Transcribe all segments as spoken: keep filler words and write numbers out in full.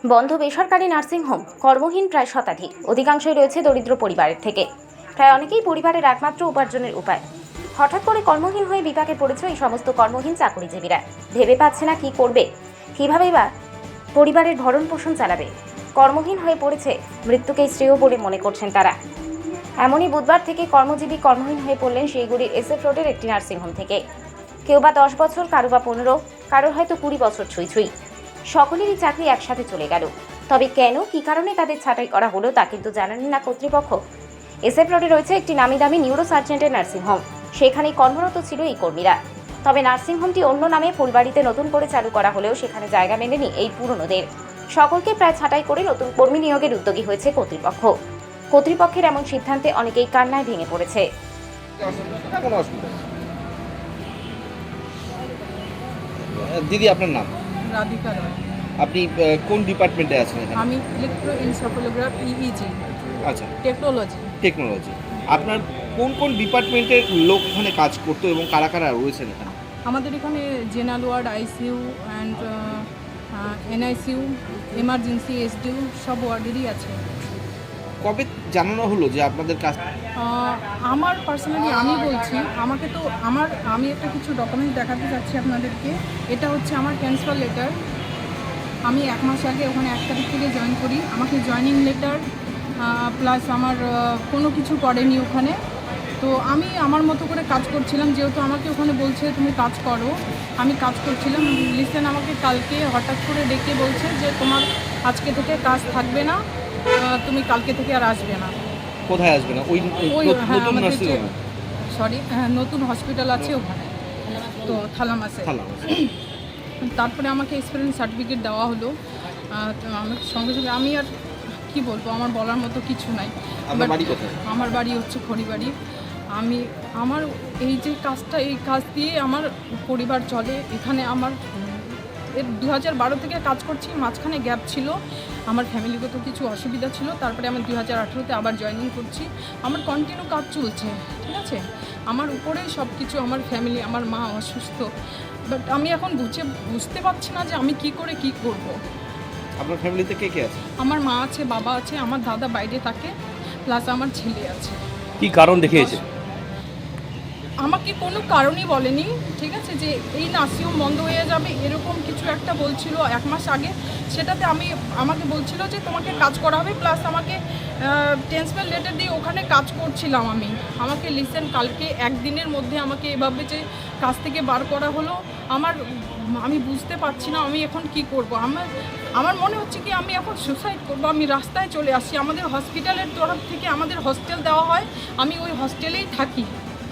বন্ধ বেসরকারি নার্সিংহোম, কর্মহীন প্রায় শতাধিক, অধিকাংশই রয়েছে দরিদ্র পরিবারের থেকে। প্রায় অনেকেই পরিবারের একমাত্র উপার্জনের উপায়। হঠাৎ করে কর্মহীন হয়ে বিপাকে পড়েছে এই সমস্ত কর্মহীন চাকরিজীবীরা। ভেবে পাচ্ছে না কি করবে, কিভাবেই বা পরিবারের ভরণ পোষণ চালাবে। কর্মহীন হয়ে পড়েছে মৃত্যুকেই শ্রেয় বলে মনে করছেন তারা। এমনই বুধবার থেকে কর্মজীবী কর্মহীন হয়ে পড়লেন শিলিগুড়ির এসএফ রোডের একটি নার্সিংহোম থেকে। কেউ বা দশ বছর, কারো বা পনেরো, কারোর হয়তো কুড়ি বছর ছুঁই ছুঁই। সকলেরই চাকরি একসাথে চলে গেল। তবে কেন, কি কারণে তাদের ছাঁটাই করা হলো তা কিন্তু জানালেন না কর্তৃপক্ষ। এসএফ রোডে রয়েছে একটি নামি দামি নিউরো সার্জেন্টের নার্সিংহোম, সেখানেই কর্মরত ছিল এই কর্মীরা। তবে নার্সিংহোমটি অন্য নামে ফুলবাড়িতে নতুন করে চালু করা হলেও সেখানে জায়গা মেলেনি এই পুরনোদের। সকলকে প্রায় ছাঁটাই করে নতুন কর্মী নিয়োগের উদ্যোগী হয়েছে কর্তৃপক্ষ। কর্তৃপক্ষের এমন সিদ্ধান্তে অনেকেই কান্নায় ভেঙে পড়েছে। দিদি, আপনার নাম? রাধিকা রয়। আপনি কোন ডিপার্টমেন্টে আছেন এখানে? আমি ইলেকট্রোএনসেফালোগ্রাফ ইইজি। আচ্ছা, টেকনোলজি। টেকনোলজি। আপনার কোন কোন ডিপার্টমেন্টের লোক এখানে কাজ করতো এবং কারা কারা রয়েছেন এখানে? আমাদের এখানে general ward, ICU and NICU, emergency, SDU সব ওয়ার্ডেরই আছে। কবে জানানো হলো যে আপনাদের কাজ? আহ, আমার পার্সোনালি আমি বলছি, আমাকে তো আমার আমি একটা কিছু ডকুমেন্ট দেখাতে চাচ্ছি আপনাদেরকে। এটা হচ্ছে আমার ট্রান্সফার লেটার। আমি এক মাস আগে ওখানে এক তারিখ থেকে জয়েন করি। আমাকে জয়েনিং লেটার প্লাস আমার কোনো কিছু করেনি ওখানে। তো আমি আমার মতো করে কাজ করছিলাম, যেহেতু আমাকে ওখানে বলছে তুমি কাজ করো, আমি কাজ করছিলাম। লিসেন আমাকে কালকে হঠাৎ করে ডেকে বলছে যে তোমার আজকে থেকে কাজ থাকবে না, তুমি কালকে থেকে আর আসবে না। কোথায় আসবে না? ওই ওই হ্যাঁ, নতুন আমাদের নার্সিং হোমে? সরি, নতুন হসপিটাল আছে ওখানে, তো থালামাসে। তারপরে আমাকে এক্সপিরিয়েন্স সার্টিফিকেট দেওয়া হলো। তো আমার সঙ্গে সঙ্গে আমি আর কি বলবো, আমার বলার মতো কিছু নাই। আপনার বাড়ি কোথায়? আমার বাড়ি হচ্ছে খড়িবাড়ি। আমি আমার এই যে কাজটা, এই কাজ দিয়ে আমার পরিবার চলে। এখানে আমার এর দু হাজার বারো থেকে কাজ করছি, মাঝখানে গ্যাপ ছিল, আমার ফ্যামিলিগত কিছু অসুবিধা ছিল। তারপরে আমি দু হাজার আঠেরোতে আবার জয়েনিং করছি। আমার কন্টিনিউ কাজ চলছে, ঠিক আছে। আমার উপরেই সব কিছু, আমার ফ্যামিলি, আমার মা অসুস্থ। বাট আমি এখন বুঝে বুঝতে পারছি না যে আমি কি করে কি করব। আপনার ফ্যামিলিতে কে কে আছে? আমার মা আছে, বাবা আছে, আমার দাদা বাইরে থাকে, প্লাস আমার ছেলে আছে। কি কারণ দেখিয়েছে? আমাকে কোনো কারণই বলেনি, ঠিক আছে, যে এই নার্সিংহোম বন্ধ হয়ে যাবে এরকম কিছু একটা বলছিল এক মাস আগে। সেটাতে আমি আমাকে বলছিল যে তোমাকে কাজ করা হবে, প্লাস আমাকে ট্রান্সফার লেটার দিয়ে ওখানে কাজ করছিলাম আমি। আমাকে লিসেন কালকে একদিনের মধ্যে আমাকে এভাবে যে কাজ থেকে বার করা হলো, আমার আমি বুঝতে পারছি না আমি এখন কি করব। আমার আমার মনে হচ্ছে কি আমি এখন সুসাইড করবো। আমি রাস্তায় চলে আসি। আমাদের হসপিটালের তরফ থেকে আমাদের হস্টেল দেওয়া হয়, আমি ওই হস্টেলেই থাকি।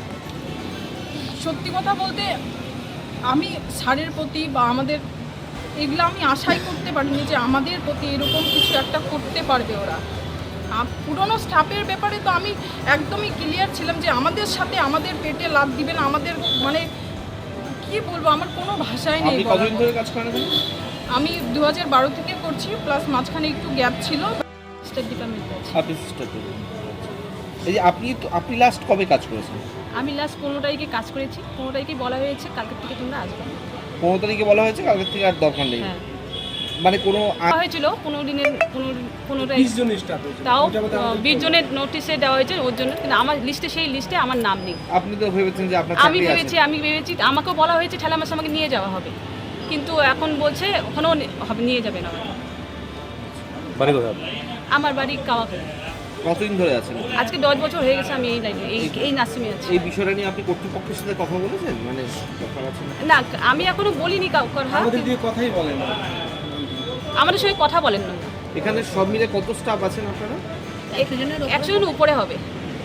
সত্যি কথা বলতে আমি স্যারের প্রতি বা আমাদের এগুলো আমি আশাই করতে পারিনি যে আমাদের প্রতি এরকম কিছু একটা করতে পারবে ওরা। পুরনো স্টাফের ব্যাপারে তো আমি একদমই ক্লিয়ার ছিলাম যে আমাদের সাথে আমাদের পেটে লাত দিবেন, আমাদের মানে কি বলবো, আমার কোনো ভাষাই নেই। কতদিন ধরে কাজ করেন? আমি দু হাজার বারো থেকে করছি, প্লাস মাঝখানে একটু গ্যাপ ছিল। স্টেট ডিপার্টমেন্টে আছি। আপনি সিস্টার। এই যে আপনি আপনি লাস্ট কবে কাজ করেছেন? আমি লাস্ট পনেরো তারিখে কাজ করেছি। পনেরো তারিখে বলা হয়েছে কালকের থেকে তোমরা আসবে। পনেরো তারিখে বলা হয়েছে, কালকের থেকে আর দরকার নেই। হ্যাঁ, মানে কোনো বলা হয়েছিল পনেরো দিনের পনেরো পনেরো তারিখ, তাও বিশ জনের নোটিশে দেওয়া হয়েছে ওর জন্য, কিন্তু আমার লিস্টে সেই লিস্টে আমার নাম নেই। আপনি তো ভেবেছেন যে আপনার আমি চাকরি ভেবেছি আছে। আমি ভেবেছি আমাকেও বলা হয়েছে ঠেলা মাসে আমাকে নিয়ে যাওয়া হবে, কিন্তু এখন বলছে ওখানেও হবে, নিয়ে যাবে না আমাকে। বাড়ি কোথায়? আমার বাড়ি কাওয়াখালী। কতদিন ধরে আছেন? আজকে দশ বছর হয়ে গেছে আমি এই লাইনে, এই এই নার্সিংয়ে আছি। এই বিষয়টা নিয়ে আপনি কর্তৃপক্ষের সাথে কথা বলেছেন? মানে ব্যাপার আছে না? না, আমি এখনো বলিনি কাউকে। আমাদের দিয়ে কথাই বলেন না। আমাদের সঙ্গে কথা বলেন না। এখানে সব মিলে কত স্টাফ আছেন আপনারা? একশো জনের উপরে হবে।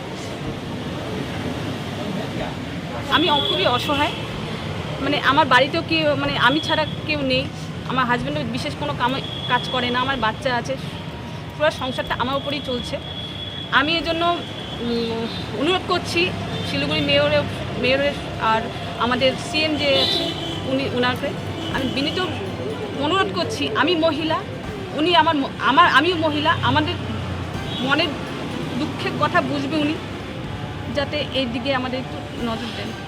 আমি খুবই অসহায়, মানে আমার বাড়িতেও কি, মানে আমি ছাড়া কেউ নেই। আমার হাজব্যান্ডও বিশেষ কোনো কামে কাজ করে না, আমার বাচ্চা আছে, পুরো সংসারটা আমার উপরেই চলছে। আমি এর জন্য অনুরোধ করছি শিলিগুড়ি মেয়রের মেয়রের আর আমাদের সিএম যে আছে উনি, ওনাকে আমি বিনীত অনুরোধ করছি। আমি মহিলা, উনি আমার আমার আমিও মহিলা, আমাদের মনের দুঃখের কথা বুঝবে উনি, যাতে এই দিকে আমাদের একটু নজর দেন।